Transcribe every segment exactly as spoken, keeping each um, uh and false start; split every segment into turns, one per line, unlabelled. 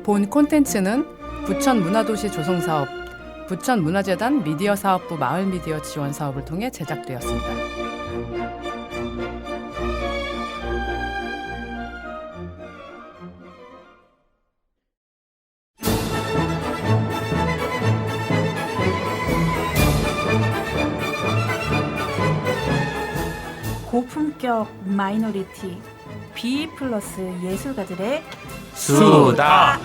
본 콘텐츠는 부천문화도시 조성사업, 부천문화재단 미디어사업부 마을미디어 지원사업을 통해 제작되었습니다.
고품격 마이너리티 B 플러스 예술가들의
수다.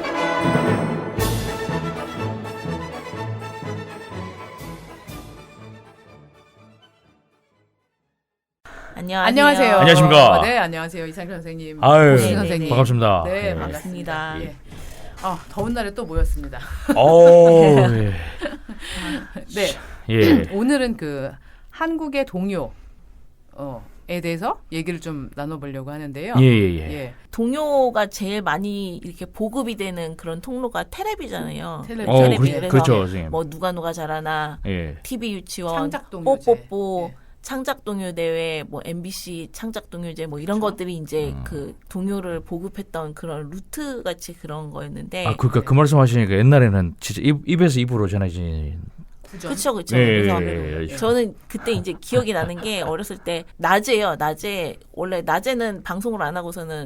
안녕하세요.
안녕하세요.
안녕하십니까.
어, 네, 안녕하세요. 이상철 선생님.
아유,
오신 선생님.
반갑습니다.
네,
네.
반갑습니다. 예. 아, 더운 날에 또 모였습니다.
오, 예.
네.
예.
오늘은 그 한국의 동요 어, 에 대해서 얘기를 좀 나눠보려고 하는데요.
예, 예, 예.
예.
동요가 제일 많이 이렇게 보급이 되는 그런 통로가 텔레비잖아요.
텔레비.
어,
텔레비.
그,
그래서
그렇죠, 선생님.
뭐 누가 누가 잘하나,
예.
티비 유치원,
창작동요제.
뽀뽀뽀,
예.
창작동요 대회, 뭐 엠비씨 창작동요제 뭐 이런
그렇죠?
것들이 이제
음.
그 동요를 보급했던 그런 루트 같이 그런 거였는데.
아, 그러니까 그 말씀 하시니까 옛날에는 진짜 입, 입에서 입으로 전해진.
그렇죠, 그렇죠.
예,
그래서
예, 예.
저는 그때 이제 기억이 나는 게 어렸을 때 낮에요. 낮에 원래 낮에는 방송을 안 하고서는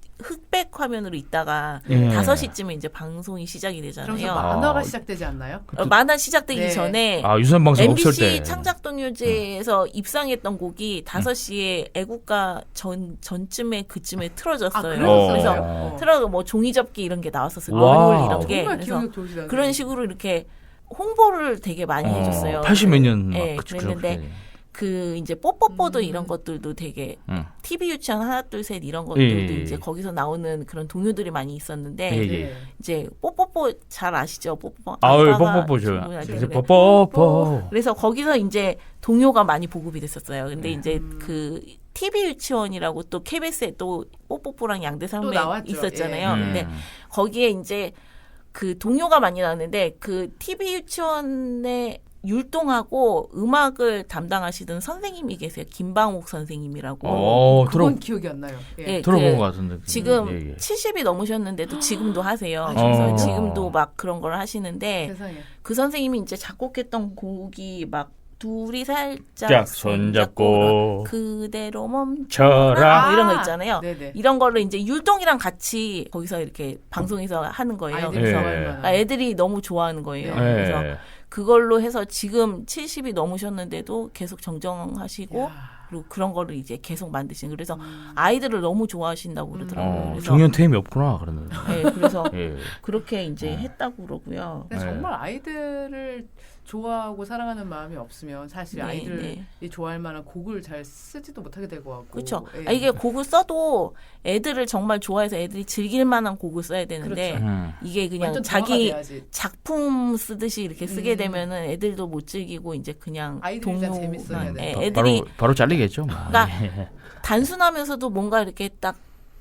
흑백 화면으로 있다가
예.
다섯 시쯤에 이제 방송이 시작이
그러면서
되잖아요.
만화가
아.
시작되지 않나요?
어, 만화 시작되기
네.
전에
아, 유선 방송 없을 때.
엠비씨 창작동요제에서 입상했던 곡이 다섯 시에 애국가 전 전쯤에 그쯤에 틀어졌어요.
아, 그랬었어요?
그래서
어.
틀어 뭐 종이접기 이런 게 나왔었어요.
와우.
노을 이런 게.
정말
그래서
기억력 좋으시다.
그런 식으로 이렇게 홍보를 되게 많이 해줬어요.
팔십 몇 년 막
네,
그-
그랬는데
그렇게.
그 이제 뽀뽀뽀도
음.
이런 것들도 되게
응.
티비 유치원 하나 둘 셋 이런 것들도
예, 예,
이제
예.
거기서 나오는 그런 동요들이 많이 있었는데
예, 예.
네.
이제 뽀뽀뽀 잘 아시죠? 뽀뽀뽀.
아유,
아빠가
뽀뽀뽀죠.
주문할 때.
이제
그래.
뽀뽀뽀.
그래서 거기서 이제 동요가 많이 보급이 됐었어요. 근데
네.
이제
음.
그 티비 유치원이라고 또 케이비에스에 또 뽀뽀뽀랑 양대
또
산맥
나왔죠.
있었잖아요.
예.
근데
음.
거기에 이제 그 동요가 많이 나왔는데 그 티비 유치원에 율동하고 음악을 담당하시던 선생님이 계세요. 김방옥 선생님이라고.
어, 들어,
그건 기억이 안 나요. 예.
예,
들어본
그
것 같은데.
지금
예, 예.
칠십이 넘으셨는데도 지금도 하세요.
아,
그래서
어.
지금도 막 그런 걸 하시는데
세상에.
그 선생님이 이제 작곡했던 곡이 막 둘이 살짝
짝 손잡고
그대로 멈춰라
쳐라.
뭐 이런 거 있잖아요.
네네.
이런 거를 이제 율동이랑 같이 거기서 이렇게 방송에서 하는 거예요.
아이들이
예.
좋아할 만한.
아, 애들이 너무 좋아하는 거예요.
네.
그래서
예.
그걸로 해서 지금 칠십이 넘으셨는데도 계속 정정하시고
야.
그리고 그런 거를 이제 계속 만드시는. 그래서
음.
아이들을 너무 좋아하신다고 그러더라고요.
어,
그래서
정년퇴임이 없구나, 그러는데.
네, 그래서
예.
그렇게 이제
어.
했다고 그러고요.
근데
네.
정말 아이들을 좋아하고 사랑하는 마음이 없으면 사실
네,
아이들이
네.
좋아할 만한 곡을 잘 쓰지도 못하게 될 것 같고.
그렇죠.
예.
아, 이게 곡을 써도 애들을 정말 좋아해서 애들이 즐길 만한 곡을 써야 되는데
그렇죠.
음.
이게 그냥
완전
자기
정화가 돼야지.
작품 쓰듯이 이렇게 쓰게
음.
되면은 애들도 못 즐기고 이제 그냥
아이들이 일단
동요만
재밌어야 돼.
예,
바-
애들이
바로, 바로 잘리겠죠. 뭐.
그러니까
예.
단순하면서도 뭔가 이렇게 딱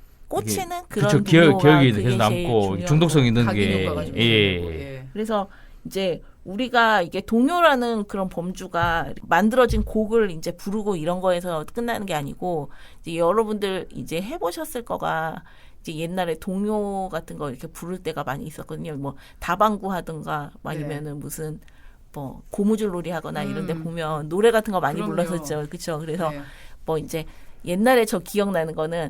꽂히는 그런
그쵸, 기억,
동요가
기억이
그게
계속
제일
남고
중요하고.
중독성 있는
각인
게.
효과가 좀
예.
있는 거고, 예.
그래서 이제 우리가 이게 동요라는 그런 범주가 만들어진 곡을 이제 부르고 이런 거에서 끝나는 게 아니고 이제 여러분들 이제 해보셨을 거가 이제 옛날에 동요 같은 거 이렇게 부를 때가 많이 있었거든요. 뭐 다방구 하든가 아니면은 무슨 뭐 고무줄놀이 하거나 이런 데
음.
보면 노래 같은 거 많이
그럼요.
불렀었죠. 그렇죠. 그래서
네.
뭐 이제 옛날에 저 기억나는 거는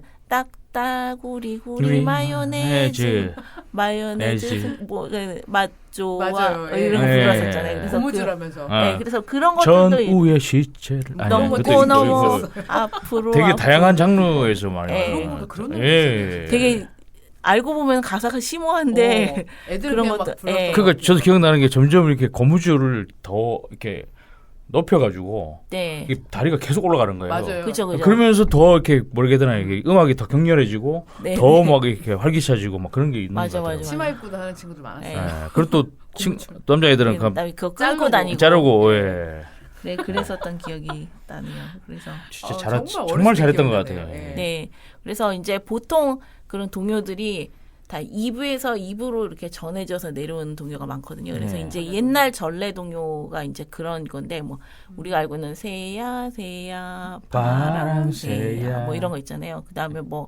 딱따구리구리
우리
마요네즈 마요네즈
네즈.
뭐맛 좋아
맞아요. 예.
이런 거
네.
불렀었잖아요. 그래서 그,
고무줄하면서.
아.
네, 그래서 그런 것들도 이-
전우의 시체를 아니,
너무
그것도
고
있고,
너무
이거
앞으로
되게
앞으로.
다양한 장르에서 많이
예.
그런
나와요.
거 그런 노래
예.
되게 알고 보면 가사가 심오한데
어, 애들
그런
그냥 막
것도-
불렀어.
예.
그러니까 저도 기억나는 게 점점 이렇게 고무줄을 더 이렇게 높여가지고
네
이게 다리가 계속 올라가는 거예요.
맞아요.
그죠 그죠
그러면서 더 이렇게 모르게 되나 이게 음악이 더 격렬해지고
네,
더
네.
막 이렇게 활기차지고 막 그런 게 있는
맞아,
것 같아요.
맞아.
치마 입고도 하는 친구들 많았어요.
네.
예. 그리고 또 친,
고무줄.
남자애들은 그
그다음에 그거
자르고.
끌고 다니고
자르고 예.
네 그랬었던 기억이 나네요. 그래서
진짜
어,
잘했
정말
정말,
어렸을 때
잘했던 것
기억나네요.
같아요.
예.
네. 그래서 이제 보통 그런 동요들이 다 이 부에서 이 부로 이렇게 전해져서 내려오는 동요가 많거든요. 그래서
네.
이제 옛날 전래 동요가 이제 그런 건데 뭐 우리가 알고 있는 새야 새야 바람 새야
바람 새야.
뭐 이런 거 있잖아요. 그다음에 뭐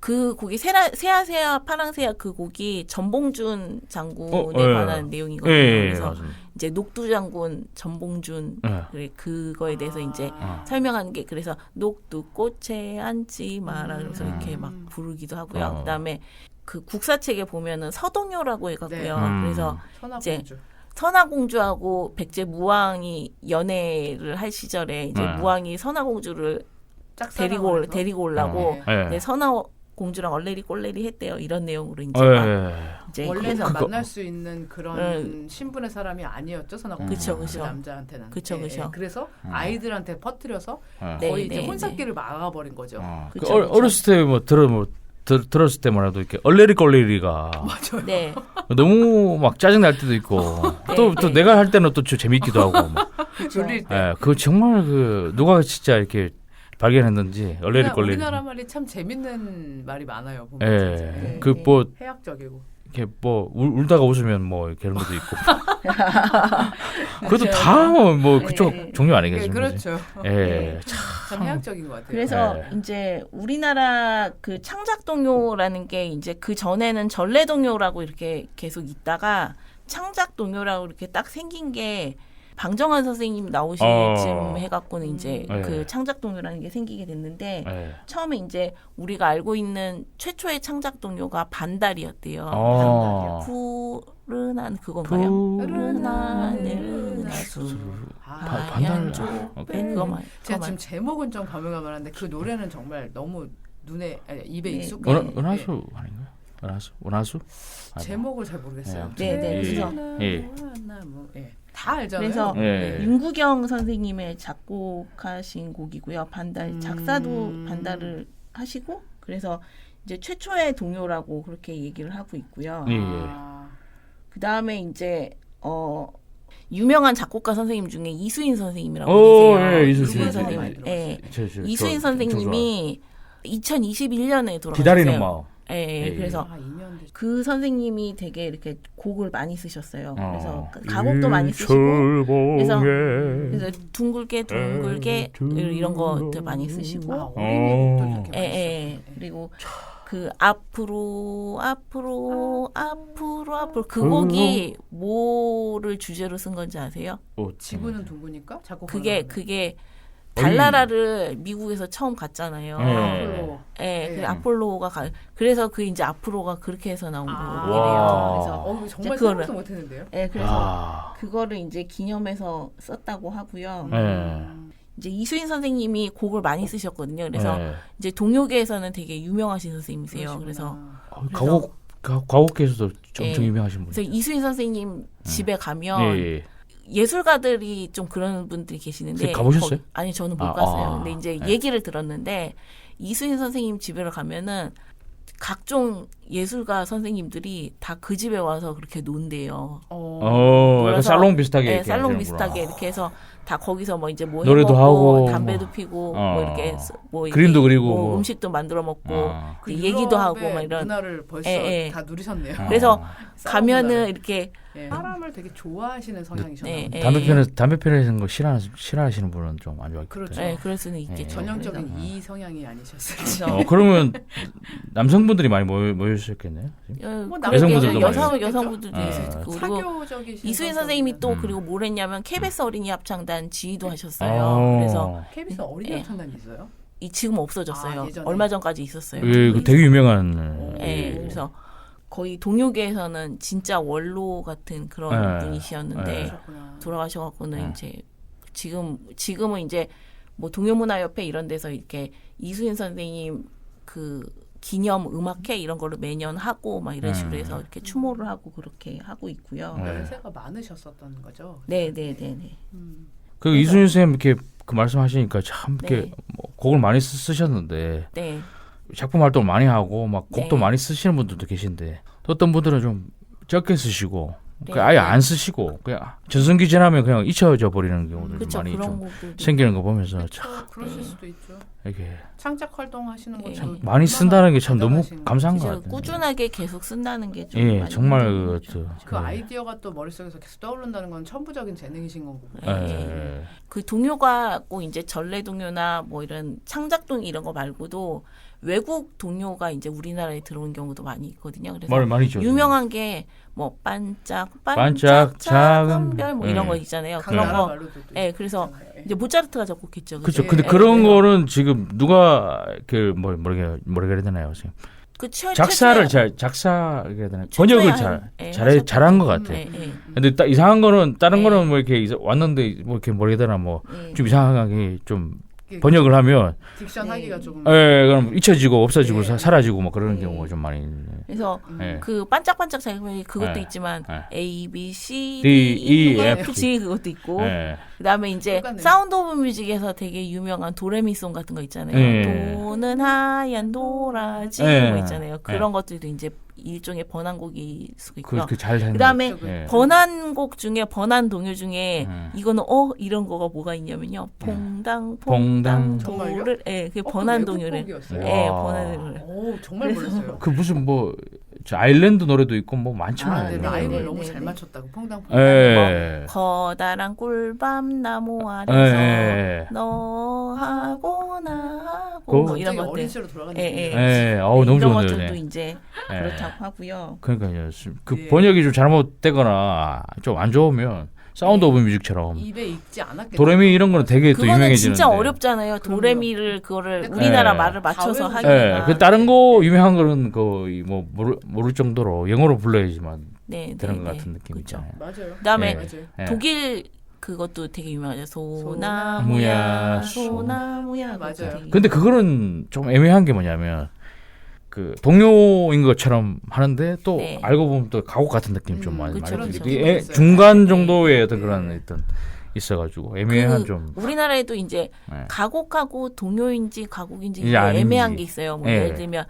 그 곡이 세라, 세아세아 파랑새야 그 곡이 전봉준 장군에
어, 예.
관한 내용이거든요.
예, 예,
그래서
맞습니다.
이제 녹두 장군 전봉준
예.
그래 그거에 대해서 이제
아.
설명하는 게 그래서 녹두 꽃에 앉지 마라 그래서
음.
이렇게 막 부르기도 하고요.
어.
그다음에 그 국사책에 보면은 서동요라고 해갖고요.
네. 음.
그래서
천하공주.
선화공주하고 백제 무왕이 연애를 할 시절에 이제
네.
무왕이 선화공주를
짝사랑을
데리고 올,
해서?
데리고 오려고
네.
예.
네, 선화공주랑 얼레리 꼴레리 했대요. 이런 내용으로 이제
예.
막
예.
이제
원래는
그거-
만날 수 있는 그런
음.
신분의 사람이 아니었죠, 선하공.
그쵸,
그
그쵸.
남자한테는.
그쵸,
예,
그쵸.
예. 그래서
음.
아이들한테 퍼뜨려서
예.
네,
거의 이제
네,
혼사기를 막아버린 거죠.
어, 그
그쵸,
어,
그쵸.
어렸을 때 뭐 들어 뭐 들, 들었을 때만 해도 이렇게 얼레리 꼴레리가
맞아요.
네.
너무 막 짜증 날 때도 있고 또 또
네.
내가 할 때는 또 좀 재밌기도 하고 막.
졸릴 때.
예, 그거 정말 그 누가 진짜 이렇게 발견했는지 얼레리
우리나-
꼴레리.
우리나라 말이 참 재밌는 말이 많아요. 보면
예,
진짜. 예.
그 뭐
해학적이고.
이렇게 뭐 울, 울다가 웃으면 뭐 이렇게 그런 것도 있고. 그것도 다 뭐 그쪽
네.
종류
예,
아니겠습니까?
그렇죠.
예, 참.
참 해학적인 것 같아요.
그래서
네.
이제 우리나라 그 창작동요라는 게 이제 그 전에는 전래동요라고 이렇게 계속 있다가 창작동요라고 이렇게 딱 생긴 게 방정환 선생님 나오실
어.
쯤 해갖고는 이제
네.
그 창작동요라는 게 생기게 됐는데
예.
처음에 이제 우리가 알고 있는 최초의 창작동요가 반달이었대요.
어.
푸른한 그건가요?
푸른
푸른 하늘 나수
아,
바-
하얀
반달-
쪽배
어,
그거만
제가
그거만.
지금 제목은 좀 가물가물한데 그 노래는 정말 너무 눈에 아니, 입에
네.
익숙한.
은, 은하수 아닌가요? 은하수? 은하수?
예. 제목을 잘 모르겠어요.
네, 네. 그래서-
예.
나무, 예. 다 알잖아요.
그래서
예.
윤구경 선생님의 작곡하신 곡이고요. 반달
음.
작사도 반달을 하시고 그래서 이제 최초의 동요라고 그렇게 얘기를 하고 있고요.
예.
아,
그 다음에 이제 어 유명한 작곡가 선생님 중에 이수인 선생님이라고
오,
계세요.
예, 이수인
이수인
선생님.
선생님. 예.
저, 저,
이수인
저,
선생님이 이천이십일 년에 돌아가셨어요.
기다리는 마음.
예, 예.
예.
그래서
아, 이 년 됐
그 선생님이 되게 이렇게 곡을 많이 쓰셨어요. 그래서
어.
가곡도 많이 쓰시고 그래서
일출봉에
그래서 둥글게 둥글게 이런 것들 많이 쓰시고
아, 어린이도
어.
이렇게
예,
많이
예.
썼어요.
그리고 그 앞으로 앞으로 앞으로 앞으로 그
그
곡이 뭐를 주제로 쓴 건지 아세요?
어,
지구는 둥그니까 자꾸
그게
그러는
그게
어이.
달나라를 미국에서 처음 갔잖아요.
예.
아폴로.
예,
예.
그 아폴로가 가, 그래서 그 이제 앞으로가 그렇게 해서 나온
아.
곡이래요.
와.
그래서
어, 이거 정말
그거를-
생각도 못했는데요.
예, 그래서
아.
그거를 이제 기념해서 썼다고 하고요.
예.
음.
이제 이수인 선생님이 곡을 많이 쓰셨거든요. 그래서
예.
이제 동요계에서는 되게 유명하신 선생님이세요.
그러시구나.
그래서
어, 가곡 가- 가곡계에서도 엄청
예.
유명하신
그래서
분.
이수인 선생님 집에 가면
예, 예.
예술가들이 좀 그런 분들이 계시는데
선생님 가보셨어요?
거- 아니 저는 못
아,
갔어요.
아.
근데 이제
네.
얘기를 들었는데 이수인 선생님 집에 가면은 각종 예술가 선생님들이 다 그 집에 와서 그렇게 논대요.
어.
어, 약간
놀아서-
살롱 비슷하게.
네,
이렇게
살롱
하시는구나.
비슷하게 이렇게 해서 다 거기서 뭐 이제 뭐
노래도
해먹고
하고,
담배도
뭐.
피고
어.
뭐 이렇게 스- 뭐
그림도
이렇게
그리고
뭐
뭐.
음식도 만들어 먹고
아.
그
이제 얘기도 하고
유럽의
막 이런
문화를 벌써
예, 예.
다 누리셨네요.
어.
그래서
싸움
가면은
문화를.
이렇게
예. 사람을 되게 좋아하시는 성향이셨나
네,
보네요.
예.
담배 피는 담배 피는 거 싫어 싫어하시는 분은 좀 안 좋아할
그렇죠.
거예요.
네, 그럴 수는 있겠죠.
예.
전형적인
그래서-
이 성향이 아니셨을지.
그래서
어, 그러면 남성분들이 많이 모여 모이셨겠네요.
여-
뭐
그렇게
여성분들도
여성
많이
여성분들도
있겠죠?
있을
어.
거고 그리고
사교적이신
이수인
성격이면.
선생님이 또
음.
그리고 뭘 했냐면 케이비에스 어린이 합창단 지휘도 하셨어요.
어.
그래서
케이비에스 어린이
예.
합창단이 있어요?
이 지금 없어졌어요.
아, 예전에?
얼마 전까지 있었어요.
예, 그 되게 유명한.
예, 그래서 거의 동요계에서는 진짜 원로 같은 그런
예.
분이셨는데
예.
그러셨구나.
돌아가셔갖고는
예.
이제 지금 지금은 이제 뭐 동요문화협회 이런 데서 이렇게 이수인 선생님 그 기념 음악회 이런 거를 매년 하고 막 이런 식으로
음.
해서 이렇게 추모를 하고 그렇게 하고 있고요.
네.
연세가 많으셨었던 거죠.
네, 네, 네, 네.
음.
그 이순신 선생님 이렇게 그 말씀하시니까 참 이렇게
네.
뭐 곡을 많이 쓰, 쓰셨는데
네.
작품 활동을 많이 하고 막 곡도
네.
많이 쓰시는 분들도 계신데 또 어떤 분들은 좀 적게 쓰시고
네.
그냥 아예 안 쓰시고 그냥 전성기 지나면 그냥 잊혀져 버리는 경우들도
그렇죠.
많이
그런
좀
곡들도
생기는 거 보면서
그렇죠.
참
그러실
네.
수도 있죠.
이렇게
창작 활동하시는
네.
것도
참
많이 쓴다는 게 참 너무
대단하신
감사한 것
진짜
같아요.
꾸준하게 계속 쓴다는 게 좀
예,
많이
정말
힘든
그,
거죠.
저,
그
예.
아이디어가 또 머릿속에서 계속 떠오른다는 건 천부적인 재능이신 거고.
예.
예.
그 동요가 꼭 이제 전래 동요나 뭐 이런 창작동 이런 거 말고도 외국 동요가 이제 우리나라에 들어온 경우도 많이 있거든요. 그래서
말 많이죠.
유명한 게 뭐 반짝 반짝,
반짝
작은
작은
별 뭐
네.
이런 거 있잖아요. 그런
강나라
거.
말로도 또
예, 그래서
있잖아요.
이제 모차르트가 작곡했죠.
그렇죠.
그죠?
근데
예,
그런
예.
거는 지금 누가 그뭐 뭐라 뭐라 그래야 되나요? 지금
그 최,
작사를
최초에-
잘 작사 해야 되나?
최초에
번역을
한-
잘
예,
잘해
하셨죠.
잘한 것 같아.
예, 예.
근데 딱 이상한 거는 다른
네.
거는 뭐 이렇게 이사- 왔는데 뭐 이렇게 뭐라 해야 되나 뭐 좀
예.
이상하게 좀
이게
번역을 하면
딕션
네.
하기가 조금
예, 그럼 잊혀지고 없어지고
네.
사, 사라지고 뭐 그런
네.
경우가 좀 많이 있네.
그래서
음.
예.
그 반짝반짝 작품이 그것도
네.
있지만
네.
A, B, C,
D,
D,
E,
E,
F,
F, G 그것도 있고
예.
그다음에 이제
똑같네.
사운드 오브 뮤직에서 되게 유명한 도레미송 같은 거 있잖아요.
네.
도는 하얀 도라지
네.
뭐 있잖아요. 그런 것들도 이제 일종의 번안곡일 수가 있고요.
그렇게 잘 되는
그다음에
거죠. 예.
번안곡 중에 번안 동요 중에
음.
이거는 어 이런 거가 뭐가 있냐면요. 퐁당
퐁당.
퐁당
정말요?
도를 예, 그
어,
번안
그
동요를
외국곡이었어요?
예,
와.
번안 동요를.
오 정말 몰랐어요.
그 무슨 뭐 저 아일랜드 노래도 있고 뭐 많잖아요.
아, 네,
네,
라임을
네,
너무
네,
잘
네.
맞췄다고 퐁당퐁당.
예.
커다란 꿀밤 나무
예.
아래서
예.
너하고 나하고
그-
뭐 이런
갑자기 어린
것들
시절로 돌아가는
예,
느낌이에요.
예. 어우 너무
이런
좋은데.
것들도
네.
이제
예.
그렇다고 하고요.
그러니까요. 그
예.
번역이 좀 잘못되거나 좀 안 좋으면 사운드 오브 뮤직처럼
입에 익지 않았겠죠.
도레미 이런 거는 되게 또
그거는
유명해지는데.
진짜 어렵잖아요. 도레미를 그거를 우리나라
예.
말을 맞춰서
가외로
하기가.
예. 그 다른 거 유명한 거는 거의 뭐 모를, 모를 정도로 영어로 불러야지만
네, 네,
되는 것
네.
같은 느낌
그쵸.
있잖아요.
맞아요.
그다음에
예.
맞아요.
예.
독일 그것도 되게 유명하죠.
소나무야,
소나무야, 소나무야.
맞아요.
그것도 되게
근데 그거는 좀 애매한 게 뭐냐면 그 동요인 것처럼 하는데 또
네.
알고 보면 또 가곡 같은 느낌 좀
음,
많이
그쵸,
많이
그쵸.
들리고
그쵸.
애- 중간 정도의
네.
어떤 그런
네.
어떤 있어가지고 애매한
그
좀
우리나라에도 이제
네.
가곡하고 동요인지 가곡인지
이게
이게
아닌지.
애매한 게 있어요. 뭐
예.
예를 들면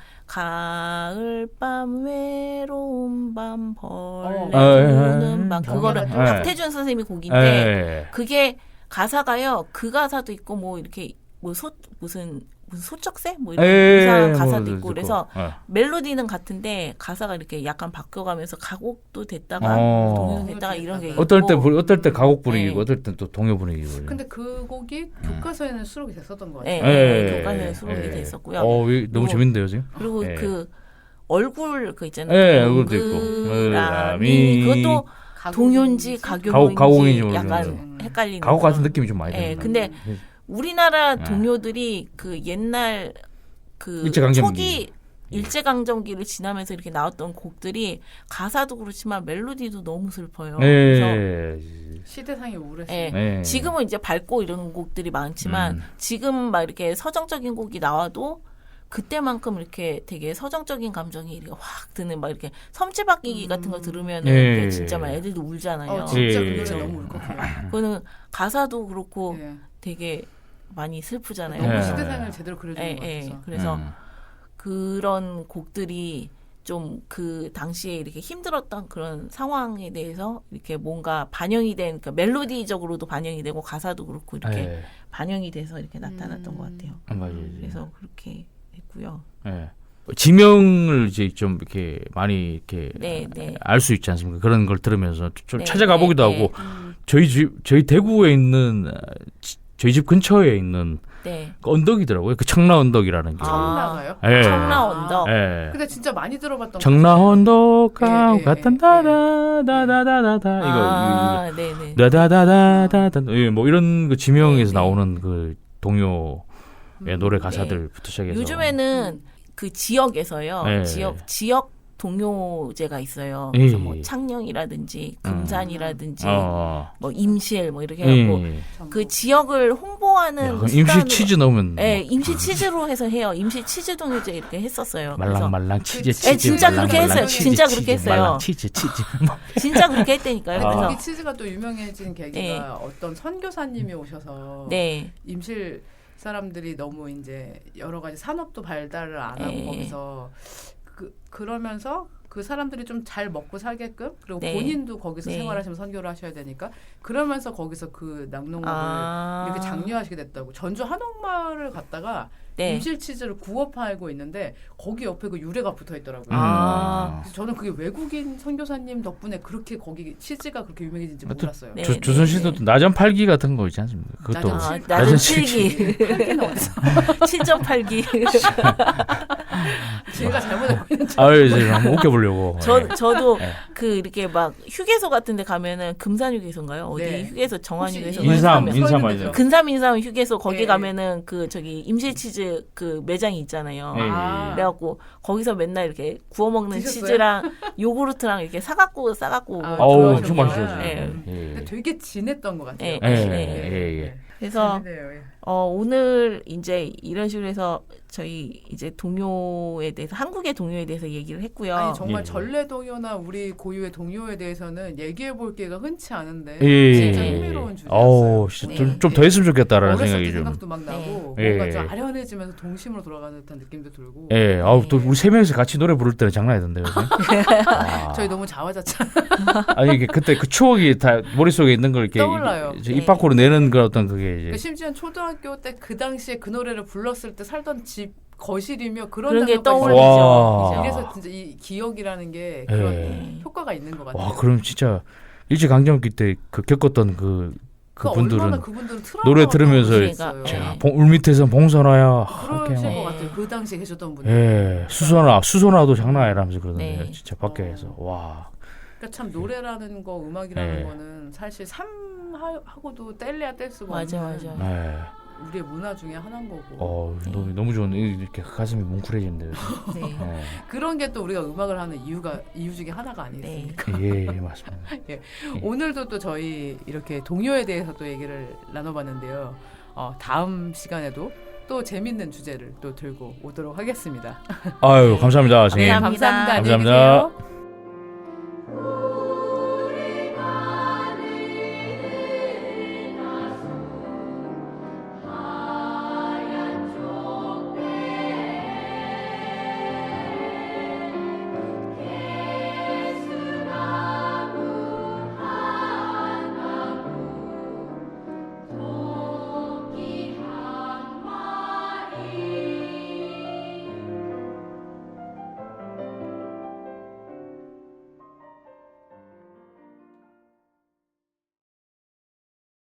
가을밤 외로운 밤 벌레
어, 예,
우는
예.
밤 그거를
예.
박태준 선생님이 곡인데
예.
그게 가사가요. 그 가사도 있고 뭐 이렇게 뭐 소 무슨 무슨 소쩍새 뭐 이런
예,
이상한
뭐
가사도
그거.
있고 그래서
어.
멜로디는 같은데 가사가 이렇게 약간 바뀌어가면서 가곡도 됐다가
어.
동요도 됐다가 이런 게 있고
어떨 때 불- 어떨 때 가곡 분위기고
네.
어떨 때 또 동요 분위기고.
근데 그 곡이
음.
교과서에는 수록이 됐었던 것
예,
같아요.
예,
예,
교과서에
예,
수록이
예.
됐었고요.
어, 이- 너무
그리고-
재밌는데요 지금?
그리고
예.
그 얼굴 그 있잖아요.
예, 얼굴도 있고.
동그라미. 그것도 동요인지
가곡인지.
가곡인지
가곡인지
약간
모르겠어요.
헷갈리는.
가곡 같은
그런-
느낌이 좀 많이
예,
드는
근데
거.
우리나라
예.
동요들이 그 옛날 그
일제강점기.
초기 일제강점기를 지나면서 이렇게 나왔던 곡들이 가사도 그렇지만 멜로디도 너무 슬퍼요. 그래서
예.
시대상이 우울했어요.
예.
예.
지금은 이제 밝고 이런 곡들이 많지만
음.
지금 막 이렇게 서정적인 곡이 나와도 그때만큼 이렇게 되게 서정적인 감정이 이렇게 확 드는 막 이렇게 섬지박기기 같은 거 들으면
예.
은 진짜 막 애들도 울잖아요.
어, 진짜
예.
그 노래 너무 울컥해요.
그거는 가사도 그렇고
예.
되게 많이 슬프잖아요.
너무
예.
시대상을 제대로 그려주는
예,
것
예.
같아서.
그래서
음.
그런 곡들이 좀 그 당시에 이렇게 힘들었던 그런 상황에 대해서 이렇게 뭔가 반영이 된 그러니까 멜로디적으로도 반영이 되고 가사도 그렇고 이렇게
예.
반영이 돼서 이렇게 나타났던
음.
것 같아요.
아, 맞아요.
그래서 그렇게 했고요.
예. 지명을 이제 좀 이렇게 많이 이렇게
네, 네.
알 수 있지 않습니까? 그런 걸 들으면서 좀
네,
찾아가 보기도
네,
하고
음.
저희 집 저희 대구에 있는 어, 지- 저희 집 근처에 있는
네.
그 언덕이더라고요. 그 청라 언덕이라는 게.
아.
청라가요?
예.
청라 언덕.
예.
근데 진짜 많이 들어봤던
청라 언덕 가
예, 예,
같은
예,
다다다다다다 이거
아, 네네.
이거 다다다다다다 예, 뭐 이런 그 지명에서
네, 네.
나오는 그 동요 의
음.
노래 가사들부터 시작해서
요즘에는 그 지역에서요.
네.
지역 지역 동요제가 있어요.
예.
그래서 뭐 창녕이라든지 금산이라든지
어.
뭐 임실 뭐 이렇게
예.
해갖고 그 지역을 홍보하는
야, 그럼
수단으로-
임시 치즈 넣으면
예, 임시 치즈로 해서 해요. 임시 치즈 동요제 이렇게 했었어요. 그래서
말랑말랑 치즈
그
치즈
예, 진짜
말랑말랑
그렇게 했어요.
치즈,
진짜
치즈,
그렇게 했어요.
말랑 치즈 치즈
진짜 그렇게 했다니까요.
근데
그래서
거기 치즈가 또 유명해진 계기가
네.
어떤 선교사님이 오셔서
네,
임실 사람들이 너무 이제 여러 가지 산업도 발달을 안 하고
네.
거기서 그 그러면서 그 사람들이 좀 잘 먹고 살게끔 그리고
네.
본인도 거기서
네.
생활하시면 선교를 하셔야 되니까 그러면서 거기서 그 낙농업을
아.
이렇게 장려하시게 됐다고. 전주 한옥마을을 갔다가
네.
임실 치즈를 구워 팔고 있는데 거기 옆에 그 유래가 붙어 있더라고요.
아.
그래서 저는 그게 외국인 선교사님 덕분에 그렇게 거기 치즈가 그렇게 유명해진지
하여튼
몰랐어요.
네.
조, 조선시대도 또 나전 팔기 같은 거 있지 않습니까? 그것도
나전
아,
칠-
낮은
낮은
칠기,
팔기는 어디서
칠 점 팔 기.
제가 잘못 알고 있는 줄
아유 이제 한번 웃겨보려고.
저
예.
저도
네.
그 이렇게 막 휴게소 같은데 가면은 금산 휴게소인가요? 어디
네.
휴게소 정한
혹시
휴게소
인삼,
서
인삼
있는
아니죠?
데죠?
근삼 인삼 휴게소 거기
네.
가면은 그 저기 임실치즈 그 매장이 있잖아요.
네.
아.
그래갖고 거기서 맨날 이렇게 구워 먹는
드셨어요?
치즈랑 요구르트랑 이렇게 사갖고 싸갖고
아,
어우
좋아하셨구나.
엄청 맛있어요.
네.
예.
근데
예.
되게 진했던 것 같아요.
예,
예,
네.
예, 예.
그래서
재밌네요, 예.
어, 오늘 이제 이런 식으로 해서 저희 이제 동요에 대해서 한국의 동요에 대해서 얘기를 했고요.
아니 정말
예.
전래 동요나 우리 고유의 동요에 대해서는 얘기해 볼 기회가 흔치 않은데
예.
진짜
예.
흥미로운 주제였어요.
어우, 진짜
네.
좀, 좀 더 했으면 좋겠다라는
어렸을
생각이
때
좀.
생각도 막 나고
네.
뭔가
예.
좀 아련해지면서 동심으로 돌아가는 듯한 느낌도 들고
예, 아우 또 우리 세 명이서 같이 노래 부를 때는 장난 아니던데요. 아.
저희 너무 자화자찬
아니 이게 그때 그 추억이 다 머릿속에 있는 걸 이렇게
떠올라요.
이제
네.
입 밖으로 내는 그 어떤 그게 이제
그러니까 심지어 초등학교 때 그 당시에 그 노래를 불렀을 때 살던 집 거실이며 그런
그런 게
장면까지
떠올리죠.
와.
이제.
이래서 진짜 이 기억이라는 게 그런
예.
효과가 있는 것 같아요.
와 그럼 진짜 일제 강점기 때 그 겪었던 그
그
그분들은
얼마나 그분들은
노래 들으면서
트라우마가
자,
있어요.
봉- 울 밑에서 봉선화야
그러실
이렇게
것
막,
같아요. 그 당시에 계셨던 분들.
예 수선화 수선화도 장난 아니라면서 그러던데
네.
진짜 밖에서 와
그러니까 참 노래라는 거, 음악이라는
네.
거는 사실 삶하고도 뗄래야 뗄 수가
맞아,
없는
맞아.
예.
우리의 문화 중에 하나인 거고
어 너무 너무 좋은 이렇게 가슴이 뭉클해지는데요.
네.
예.
그런 게 또 우리가 음악을 하는 이유가 이유 중에 하나가 아니겠습니까?
예, 예 맞습니다.
오늘도 또 저희 이렇게 동요에 대해서 또 얘기를 나눠봤는데요. 어, 다음 시간에도 또 재밌는 주제를 또 들고 오도록 하겠습니다.
아유 감사합니다.
네,
선생님.
감사합니다.
감사합니다. 안녕히
감사합니다.
계세요.